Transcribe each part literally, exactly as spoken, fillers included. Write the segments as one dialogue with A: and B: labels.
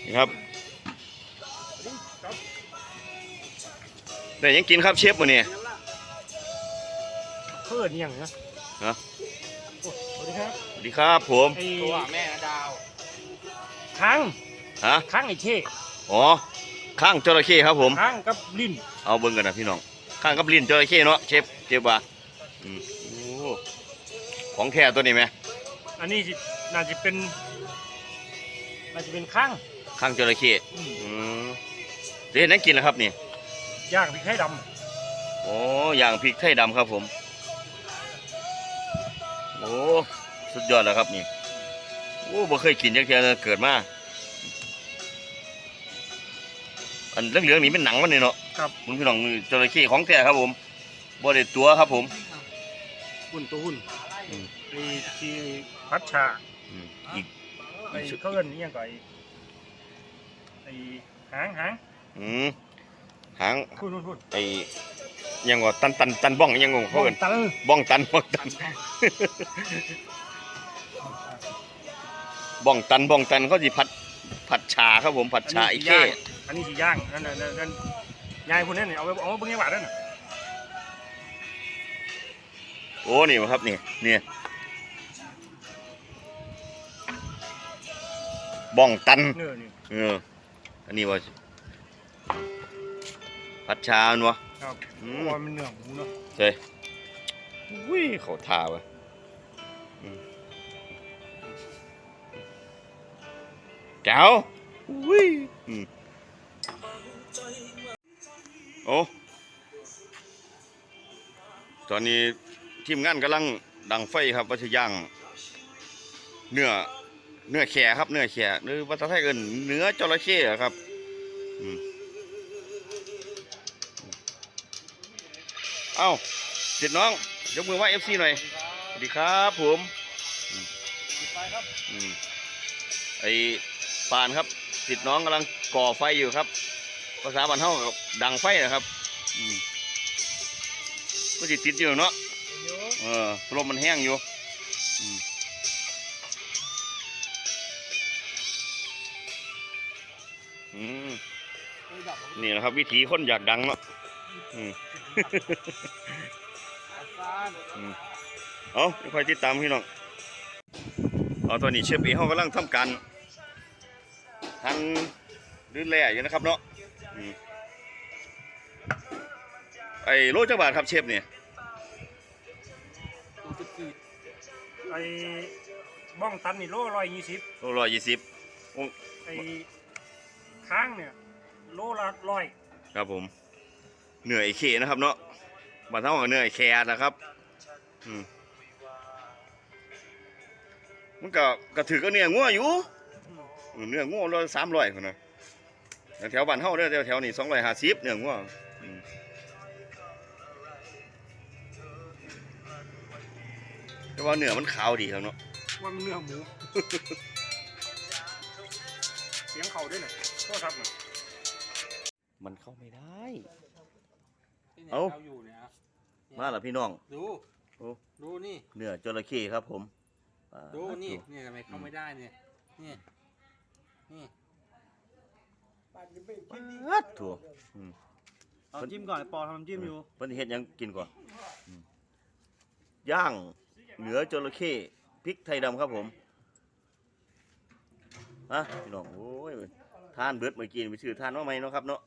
A: นี่ครับได้ยังกินครับเชฟวันนี้
B: เพื่อนยังนะ
A: ฮะ
B: สวัสดีครับ
A: สวัสดีครับผม
B: ตัวแม่ดาวค้าง
A: ฮะ
B: ค้างไอ้เช่
A: อ๋อข้างจระเข้ครับผม
B: ค้างกับลิ้น
A: เอาเบิ่งกันนะพี่น้องข้างกับลิ้นจระเข้เนาะเชฟเชฟว่าอืมโอ้ของแท้ตัวนี้ไหม
B: อันนี้น่าจะเป็นน่าจะเป็นค้าง
A: ข้างจระเข้อืมจะเห็นนั่งกินแล้วครับนี่
B: ย่างพริกไทยดำ
A: โอ้ย่างพริกไทยดำครับผมโอ้สุดยอดแล้วครับนี่โอ้บ่เคยกินจักเทื่อเกิดมาอันเหลืองๆนี่เป็นหนังมันนี่เนาะ
B: ครับ
A: คุณพี่น้องจระเข้ของแท้ครับผมบ่ได้ตัวครับผม
B: หุ่นตัวหุ่นไอ้ที่พัชชา
A: อีก
B: ไอ้เขาเอิ้นนี่ยังก่อนไอ้หางหาง
A: อืมหาง
B: พูดพูด
A: ไอ้ยังว่าตันตันตันบ้องยังงงเขาเอิ้นบ้องตันบ้องตันบ้องตันบ้องตันเขาสิผัดผัดชาครับผมผัดชาไอ้เข้
B: อันนี้สีย่างนั่นนั่นนั่นยายคนนั้นเนี่ยเอาไปเอาเบิ้งยังหวานนั่นน่ะ
A: โอ้นี่ครับนี่นี่บ้องตันเอออันนี้ว่าผัดชาเนาะ
B: ครับอืมมันเนื้อหมูเนาะ
A: ใช่วิ่งเขาท่าวะแก้ววิ่งโอ้ตอนนี้ทีมงานกำลังดังไฟครับว่าจะย่างเนื้อเนื้อแข่ครับเนื้อแข่หรือภาษาไทยเอิ้นเนื้อจระเข้ครับเอ้าเสร็จน้องยกมือไหว้เอฟซีหน่อยสวัสดีครับผมไอ้ปานครับติดน้องกำลังก่อไฟอยู่ครับภาษาบ้านเฮาดังไฟนะครับก็ติดติดอยู่เนาะเออลมมันแห้งอยู่นี่นะครับวิธีคนอยากดังเนาะเอาคอยติดตามพี่น้องเอาตอนนี้เชฟเอ๋เขากำลังทำการหั่นดื้อแหล่อยู่นะครับเนาะไอ้โลจักบาทครับเชฟเนี่ย
B: ไอ้บ้องตันนี่โลร้อยยี่สิบ
A: โลร้อยยี่สิบ
B: ไอ้ค้างเนี่ยโลละร้อย
A: ครับผมเหนื่อยเขนะครับเนาะบ้านเท่ากับเหนื่อยแคนะครับอืมมันก็กระถือก็เนื้องัวอยู่เนื้องัวร้อยสามร้อยคนนะแถวบ้านเท่าเด้อแถวแถวนี้สองร้อยห้าสิบเนื้องัวแต่ว่าเนื้อมันขาวดีครับเนาะ
B: ว่ามันเนื้อหมูเสียงเขาด้วยเนี่ยโทษครับเนี่ย
A: มันเข้าไม่ได้เอามาแล้วพี่น้อง
C: ดูดูนี่
A: เนื้อจระเข้ครับผม
C: ดูนี่นี่ทำไมเข้าไม่ได้เนี่ยนี่นี่
A: ปัดถั่ว
B: เอาจิ้มก่อนปอทำจิ้มอยู่
A: เพิ่นเฮ็ดยังกินก่อนย่างเนื้อจระเข้พริกไทยดำครับผมฮะพี่น้องโอ้ยทานเบิดเมื่อกี้ไปซื้อทานว่าไหมเนาะครับเนาะ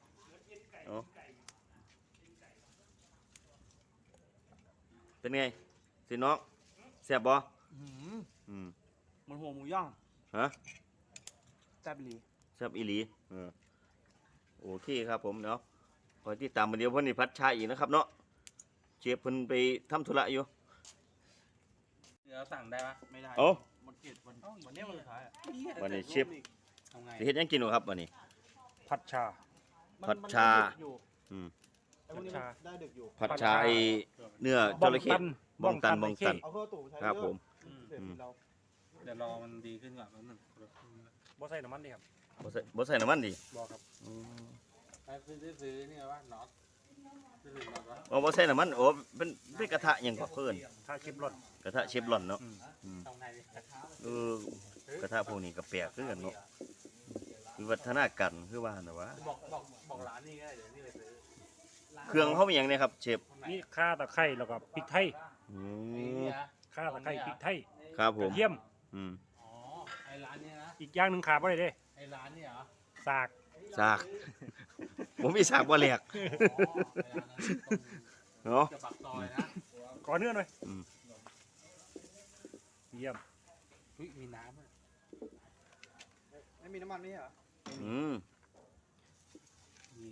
A: เป็นไงสิน้องแซ่บบ่
B: อืมมันหัวหมูย่าง
A: ฮะ
B: แซ่บอีหลี
A: แซ่บอีหลีเออโอเคครับผมเนาะคอยติดตามมาเดี๋ยวเพิ่นนี่พัดชาอีกนะครับเนาะเชฟเพิ่นไปทำธุระอยู่
C: เดี๋ยวสั่งได้ปะไม่ได้
A: โอ้
C: มันเกลียดวันวันนี้วันสุดท้าย
A: วันนี้เชฟจะเฮ็ดยังกินครับวันนี้
B: ผัดชา
A: ผัดชาอืม
B: ได้ดึกอยู่
A: ผัดชาไอเนื้อจระเข้บ้องตันบ้องตันครับผม
C: เดี๋ยวรอมันดีขึ้นก่อนแล้วหนึ่ง
B: บ่ใส่น้ำมันดิครับ
A: บ่ใส่บ่ใส่น้ำมันดิ
B: บ่ครับ
C: ไอ้ซื้อซื้อนี่ว่าน็อต
A: โอ้บ่ใส่น้ำมันโอ้เป็นเป็นกระทะยังก็เพิ่น
B: กระทะเชฟร้อน
A: กระทะเชฟร้อนเนาะเออกระทะพวกนี้ก็แปลกคือกันเนาะวิวัฒนาการคือว่าน่ะวะ
C: บอกบอกบอกร้านนี่ก็ได้เดี๋ยวนี่ไปซื้อ
A: เครื่องเขามีหยังเนี่ยครับเชฟ
B: นี่ข่าตะไคร้แล้วก็พริกไทย
A: อื
C: ไอ้
A: ม
C: นี่นะ
B: ข่าตะไคร้พริกไทย
A: ครับผ
B: กระ
A: ม
B: เทียม
A: อืม
C: อ๋อไอ้ร้านเนี้ยนะ
B: อีกอย่างหนึงขาดบ่ได้เด้
C: ไอ้ร้านนี่เหรอ
B: สาก
A: สาก ผมมีสากบ่แหลก
C: อ๋อไอ้ร้านนั้นตรง
A: เนาะ
C: จะปักซอยนะ
B: ขอเนื้อหน่อย
A: อืม
B: เยี่ยม
C: เฮ้ยมีน้ำอ่ะ
D: ไม่มีน้ำมันนี่เหรอ
A: อืม
C: นี่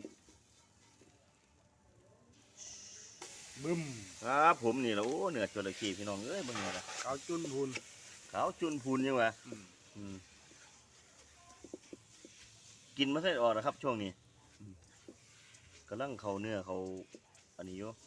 B: บึ้ม
A: ครับผมนี่แหละโอ้เนื้อจระเข้พี่น้องเอ้ยเบิ่งนี่ล่ะ
B: ขาวจุนพูน
A: ขาวจุนพูนยังวะ
B: อืม
A: อืมกินมาใส่ออกนะครับ ช่วงนี้อืมกำลังเขาเนื้อเขาอันนี้อยู่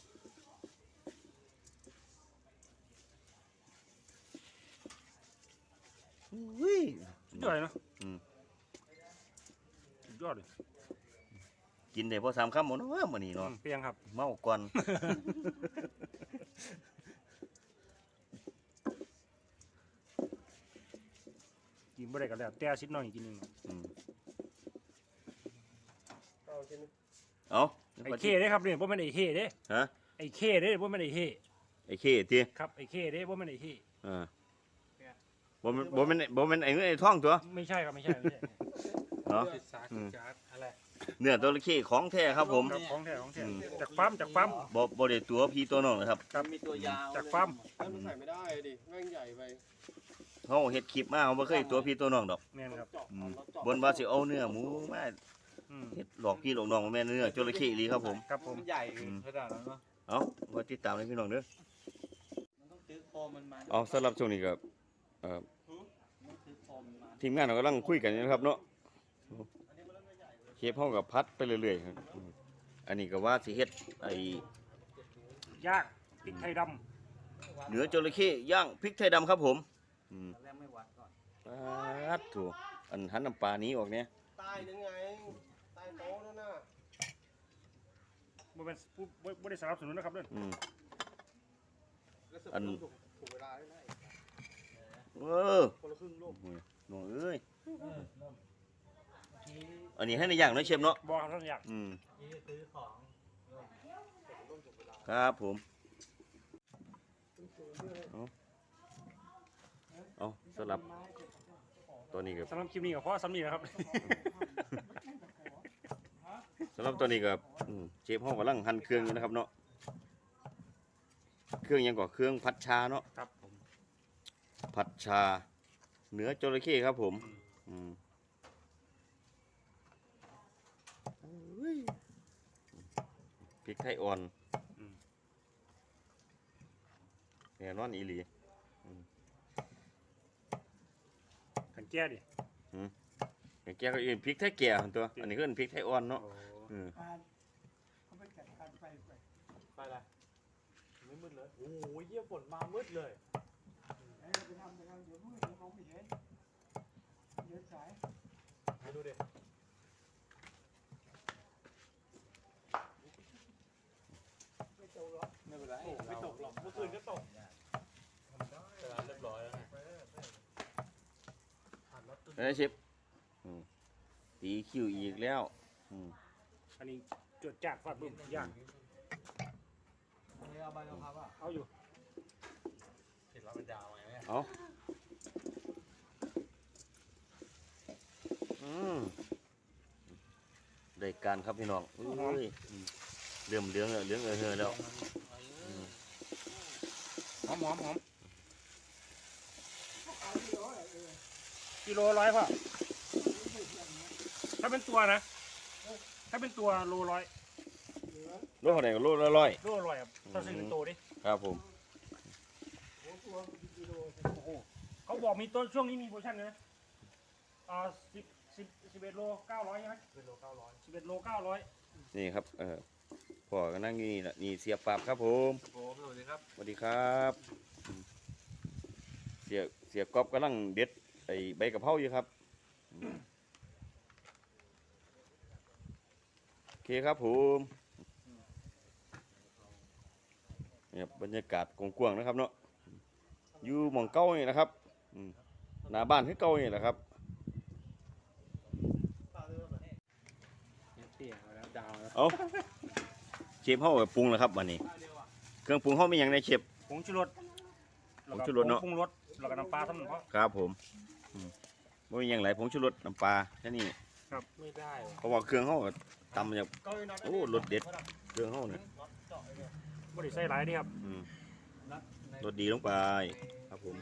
A: อุ้ย
B: สุดยอดเลยเนาะ
A: อืม
B: สุดยอดเลย
A: กินได้พอสามคำหมดเนาะมื้อนี้เนาะ
B: อืมเปียงครับ
A: เมาก่อน
B: กินบ่ได้ก็แล้วแต่ชิดน้อยกินหนึงเนาะ
A: อืม
D: เอาชิ้นนี้
A: เอา
B: ไอ้เคเด้ครับเนี่ยบ่แม่นไอ้เฮเด้
A: ฮะ
B: ไอ้เคเด้บ่แม่นไอ้เฮ
A: ไอ้เคติ
B: ครับไอ้เคเด้บ่แม่นไอ้เฮ
A: อ่าบ่แม่นบ่แม่นบ่แม่นไอ้เงินไอ้ทองตัว
B: ไม่ใช่ครับไม่ใช่ไม่ใช่
A: เนาะ
C: ติดซาร์ติดจาร์ดอะไร
A: เนื้อจระเข้ของแท้ครับผม
B: ครับของแท้ของแท้
A: อืม
B: จากฟาร์มจากฟาร์ม
A: บ่บ่ได้ตัวพี่ตัวน้องนะครับ
B: ครับ
C: มีตัวยาว
B: จากฟาร์ม
D: แล้วมันใส่ไม่ได้ดิแม่งใหญ่ไป
A: เฮาเฮ็ดคลิปมาเฮาบ่เคยตัวพี่ตัวน้องดอก
B: แม่นครับ
D: เจาะ
A: อืม
D: เราเจาะ
A: บนว่าสิเอาเนื้อหมูมา
B: อืม
A: เฮ็ดหลอกพี่หลอกน้องบ่แม่นเนื้อจระเข้อีหลีครับผม
B: ครับผม
C: มันใหญ่ขนาดนั้นเนาะ
A: เอามาติดตามให้พี่น้องเด้อ
C: มันต้องซื้อโคมมันมา
A: เอาสำหรับช่วงนี้ก็เอ่อ
C: ต้องซื้อโคมมันมา
A: ทีมงานเรากำลังคุยกันอยู่นะครับเนาะเชฟเฮาก็พัดไปเรื่อยๆครับอืมอันนี้ก็ว่าสิเฮ็ดไอ้
B: ย่างพริกไทยด
A: เนื้อจระเข้ย่างพริกไทยดำครับผมอืม
C: ตอนแรกไม่วัดก่อน
A: ปัดถูอันหันน้ำปลานี้ออกเนี่ย
D: ใต้ยังไงใต้โต๊ะนั่นน่ะ
B: ำบ่เป็นบ่บ่บ่ได้สนับสนุนนะครับเด้อ
A: อืม
D: แล้วเสิร์ฟ
A: อัน
D: ถูกถูกเวลาด้วยนะ
A: เออ
D: คนละครึ่งลูก
A: โอ้ยน้องเอ้ย
C: เออเริ่มที
A: อันนี้ให้ในอย่างเน้อยเชฟเนาะ
B: บ่ครับท่านอยาก
A: อืม
C: นี้ซื้อของ
A: ครับผมเอาเอาสลับตัวนี้กับ
B: สำหรับคลิปนี้ก็พอสำนี้นะครับ
A: สำหรับตัวนี้กับอืมเชฟห้องกำลังหั่นเครื่องอยู่นะครับเนาะเครื่องหยังก่อเครื่องผัดชาเนาะ
B: ครับผม
A: ผัดชา เนื้อจระเข้ครับผมอืมอุ้ยพริกไทยอ่อนแน่นอนอีหลี
B: กันแก้ดิ
A: อย่างแกก็อื่นพริกไทยแก่หั่นตัว อันนี้ก็เป็นพริกไทยอ่อนเนาะ
B: โอ้
A: อืม
D: เขาไปจัดการไฟไป
C: ไปละไม่มืดเลยโอ้โหเยี่ยฝนมามืดเลย
D: ไอ้เราไปทำไปทำเดี๋ยวมืดเดี๋ยวมองไม่เห็นเดี๋ยวสาย
C: ให้ดูดิ
D: ไม่เจ้าหรอก
C: ไม่เป็นไร
D: ไม่ตกหรอกเมื่อคืนก็ตก
C: เวลาเรียบร้อยแล้วไง
A: เอ้ยเชฟอืมตีคิวอีกแล้วอืม
B: อันนี้จวดจากฟาดบึ้มย่าง
C: เอาใบกะเพราอ่ะ
B: เอาอยู่
C: เห็นเราเป็นดาวไงเนี่ย
A: เอาอืมได้การครับพี่น้องอุ้ยอืมเริ่มเหลืองแล้วเหลืองเออเฮอแล้ว
B: หอมหอมหอมกิโลร้อยพ่อถ้าเป็นตัวนะ ถ้าเป็นตัวโลร้อย
A: โลเท่าไหร่ก็โลละร้อย
B: โลร้อยครับถ้าซื้อเป็นตัวดิ
A: ครับผม
B: โอ้โหเขาบอกมีต้นช่วงนี้มีโปรโมชั่นเลยนะอ่าสิบสิบสิบเอ็ดโลเก้าร้อยใช่ไหมสิบเอ็ดโลเก้าร้อยสิบเอ็ดโลเก้าร้อย
A: นี่ครับเออพ่อก็นั่งอยู่นี่แหละนี่เสียปราบครับผม
C: โอ้สวัสดีครับ
A: สวัสดีครับอืมเสียเสียก๊อบกำลังเด็ดไอ้ใบกะเพราอยู่ครับอืมโอเคครับผมนี่ครับบรรยากาศกว้างๆนะครับเนาะอยู่หม่องเก้านี่นะครับอืมหน้าบ้านคือเก้านี่แหละครับ
D: เปล่า
A: เอาเชฟเฮาก็ปรุงแล้วครับวันนี้ เครื่องปรุงเฮามีหยังในเชฟ
B: ผงชูรส
A: ผงชูรสเนอะ
B: ปรุงรสแล้วก็น้ำปลาทั้งหมดเพราะ
A: ครับผมอืมบ่มีหยังหลายผงชูรสน้ำปลาแค่นี้
C: ไม่ได้วะ
A: เพราะว่าเครื่องเฮาก็ตำมาจากโอ้รสเด็ดเครื่องเฮาเนี่ย
B: บริใส่หลายดีครับ
A: อืมรสดีลงไปครับผม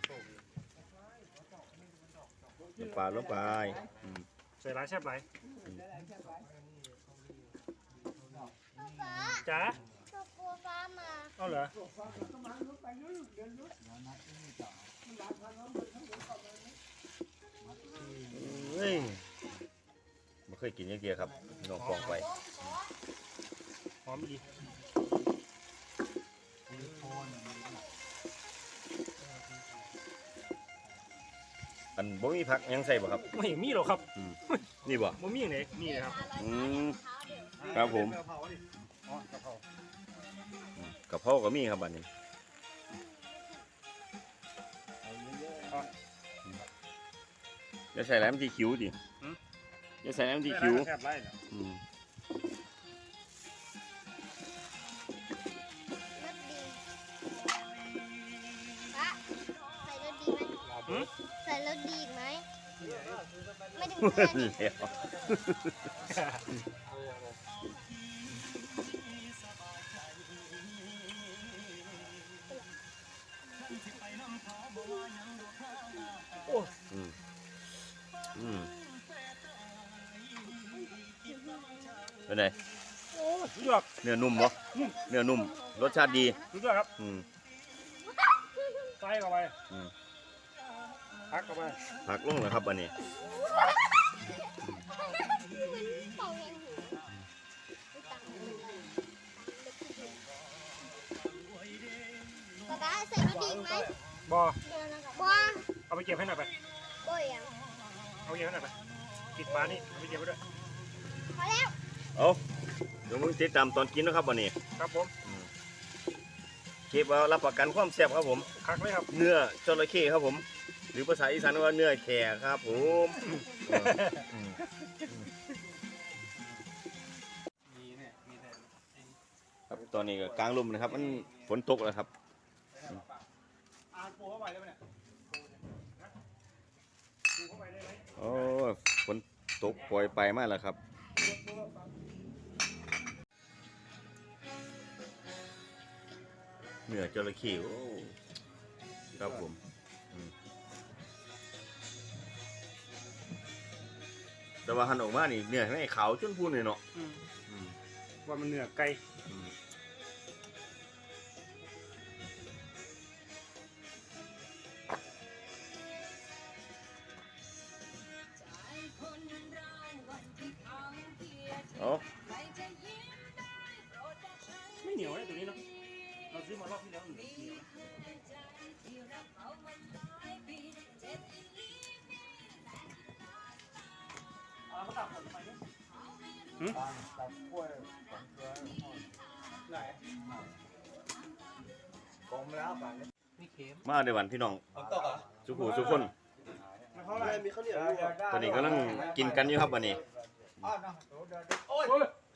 A: น้ำปลาลงไปอืม
B: ใส่หลายแซ่บหลาย
E: ฟ้า
B: จ้า
E: ตัวกลัวฟ้ามา
B: เอาเหรอ
A: เฮ้ยไม่เคยกินอย่างเดียวครับน้องฟองไป
B: หอมดี
A: อันบ่มีผักหยังใส่บ่ครับ
B: ไม่มีหรอกครับ
A: อืมนี่บ่
B: บ่มีอย่างไหนมีเลยครับ
A: อืมครับผม
B: อ๋อกะเพราก
A: ะเพราก็มีครับอันนี้จะใส่แหลมที่คิ้วดิจะใส่แหลมที่คิ้ว
B: แซ่บหลายนะ
A: อืม
E: รสดีฟ้าใส่รสดีไหม
B: หืม
E: ใส่รสดีอีกไหมไม่ถึงเพื่อนดิ
A: แล้ว
B: โอ้
A: อืมอืมเป็นไง
B: โอ้สุดยอด
A: เนื้อนุ่มบ่เนื้อนุ่มรสชาติดี
B: สุดยอดครับ
A: อืม
B: ใส่เข้าไป
A: อืม
B: พักเข้าไป
A: ผักลงเลยครับอันนี้
E: เป่าเองหูป๊าป๊าใส่รสดีอีกไหม
B: บอ
E: บัว
B: เอาไปเก็บให้หน่อยไป
E: บัวยัง
B: เอาไปเก็บให้หน่อยไปปิดฝานี่เอาไปเก็บไว้ด้วย
E: พอแล้ว
A: เอาเดี๋ยวมึงติดตามตอนกินนะครับวันนี้
B: ครับผม
A: เชฟเอารับประกันความแซ่บครับผม
B: คักเลยครับ
A: เนื้อจระเข้ครับผม หรือภาษาอีสานว่าเนื้อแขกครับผมเอออืม
C: มีเนี่ยมีแต่ไอ้
A: ครับตอนนี้ก็กลางลมนะครับ มันฝนตกแล้วครับ
D: อ่านปูเข้าไปได้ไหมเนี่ย
B: ดูเข้าไปได้ไหม
A: โอ้ยฝนตกปล่อยไปมากแล้วครับ เนื้อจระเข้โอ้ครับผมอืมแต่ว่าหันออกมานี่เนื้อไม่ขาวจนพูนเลยเนาะ
B: อืม
A: อืม
B: ว่ามันเนื้อไก่
A: อืมเอา
B: ไม่เหนียวเลยตัวนี้เนาะเราซื้อมารอบที่แล้วเหนียวเอามาตักผลทำไมเนี่ย
D: ตังตังกล้วยสองตัวไหนกลมแล้วป่านนี้
C: นี่เค็ม
A: มาเดี๋ยววันพี่น้อง
D: เอาตกเหรอ
A: สุขุสุขคน
D: เท่าไหร่มีข้าวเหนียวอยู่
A: ตอนนี้กำลังกินกันอยู่ครับวันนี้
D: อ้าวนะเดี๋ยวเดี๋ยวโอ้ย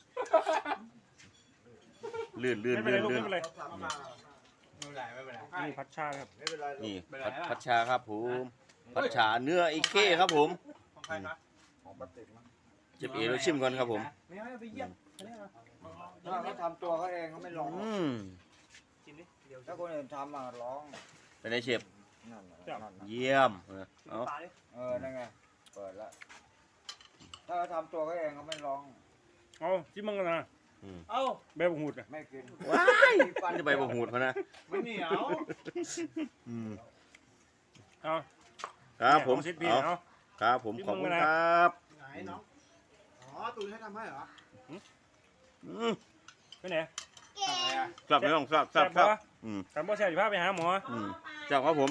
A: ลื่นลื่น
B: ไม่เป็น
A: ลื่
B: ไร
A: น
B: ลูก
A: ลื่น
B: ไม่เป็นไร
D: ไม่เป็นไรไม่เป็นไร
B: นี่ผัดชาครับ
D: ไม่เป็นไร
A: นี่
D: ไม่เป็นไร
A: พัดพัชชาครับผมพัชชาเนื้อไอ้เข้ครับผม
D: ของใครนะของปฏิกมั้ง
A: เจ็บเอเราชิมก่อนครับผม
D: ไม่ให้ไปเยี่ยมถ้าเขาทำตัวเขาเองเขาไม่ร้อง
A: อืม
B: กินดิเดี๋ยว
D: ถ้าคนอื่นทำอ่ะร้อง
A: เป็นไงเชฟ
D: นั่นน่ะนั่นน่ะ
A: เยี่ยมเออเอา
B: ตายดิ
D: เออนั่นไงเปิดแล้วถ้าเขาทำตัวเขาเองเขาไม่ร้อง
B: เอาจิ้มมังกันนะ
A: อืม
B: เอ้าแบบหูดอ่ะ
D: ไม่กิน
A: ว้ายมันจะไปบ่หูดพะนะ
D: ไม่เหนียว
A: อืม
B: เอา
A: ครับผม
B: เอาซิดพี่
A: เอา
B: เอา
A: ครับผมขอบคุณครับ
D: ไหนน้องอ๋อตูนให้ทำให้เหรอ
A: อืม
B: ไปไหน
E: เก่ง
A: ทราบไหมน้องทราบทราบทราบอืม
B: การบ่แซ่บอยู่พาไปหาหมอ
A: อืมทราบครับผม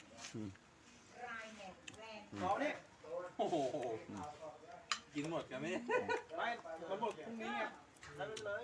D: ขอนี่
C: โอ้โหกินหมดกันไหมเนี่ย
D: ไประบบพรุ่งนี้ไงใช้ไปเลย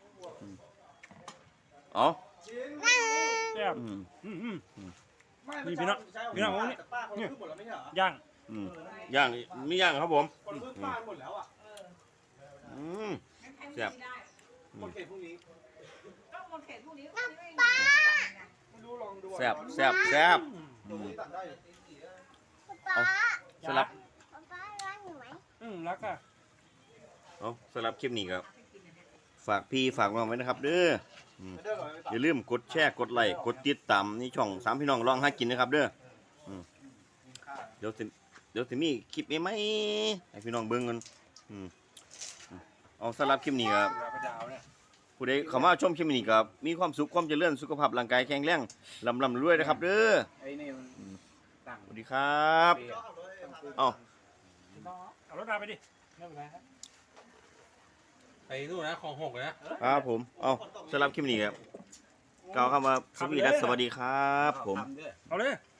A: เอา
D: ชิ้น
B: แซ่บ
A: อืม
B: อืมอืม
D: ไม่
B: นี่พี่น้องพี่น้องนี่
D: แต่ป้าคนละครึ่งหมดแล้วไม่ใช่เหรอ
B: ย่าง
A: อืมย่างมีย่างครับผม
D: คนละครึ่งป้าหมดแล้วอ่ะ
A: อืมแซ่บ
C: หมดเขตพรุ่งนี้
F: ก็หมดเขตพรุ่งนี้
D: ไม่รู้ลองดู
A: แซ่บแซ่บแซ่บ
D: ตรงนี้ตัดได้อยู่
E: ป๊า
A: สำหรับ
E: ป๊าป๊ารักหนูไหม
B: อืมรักอ่ะ
A: เอาสำหรับคลิปนี้ครับฝากพี่ฝากน้องไว้นะครับเด้ออืม
D: ไม่ได้หรอกไม่ตัด
A: อย่าลืมกดแชร์กดไลค์กดติดตามนี่ช่องสามพี่น้องลองหากินนะครับเด้ออืมเดี๋ยวสิเดี๋ยวสิมีคลิปใหม่ๆให้พี่น้องเบิ่งกันอืมอืมเอาสำหรับคลิปนี้ครับ
B: เวลาไปดาวเนี่ย
A: ผู้ใดเข้ามาชมคลิปนี้ครับมีความสุขความเจริญสุขภาพร่างกายแข็งแรงลำลำรวยนะครับเด้อ
C: ไอ้นี่มันตั้ง
A: สวัสดีครับ
C: เปียก
A: เอา
B: เอารถดาวไปดิ
C: ไม่เป็นไรครับไปนู่นนะคลองหกเลยนะครับ
A: ผมเอาสำหรับคลิปนี้ครับกล่าวคำว่าสวัสดีและสวัสดีครับผม
C: ทำด้วย
B: เอาเลย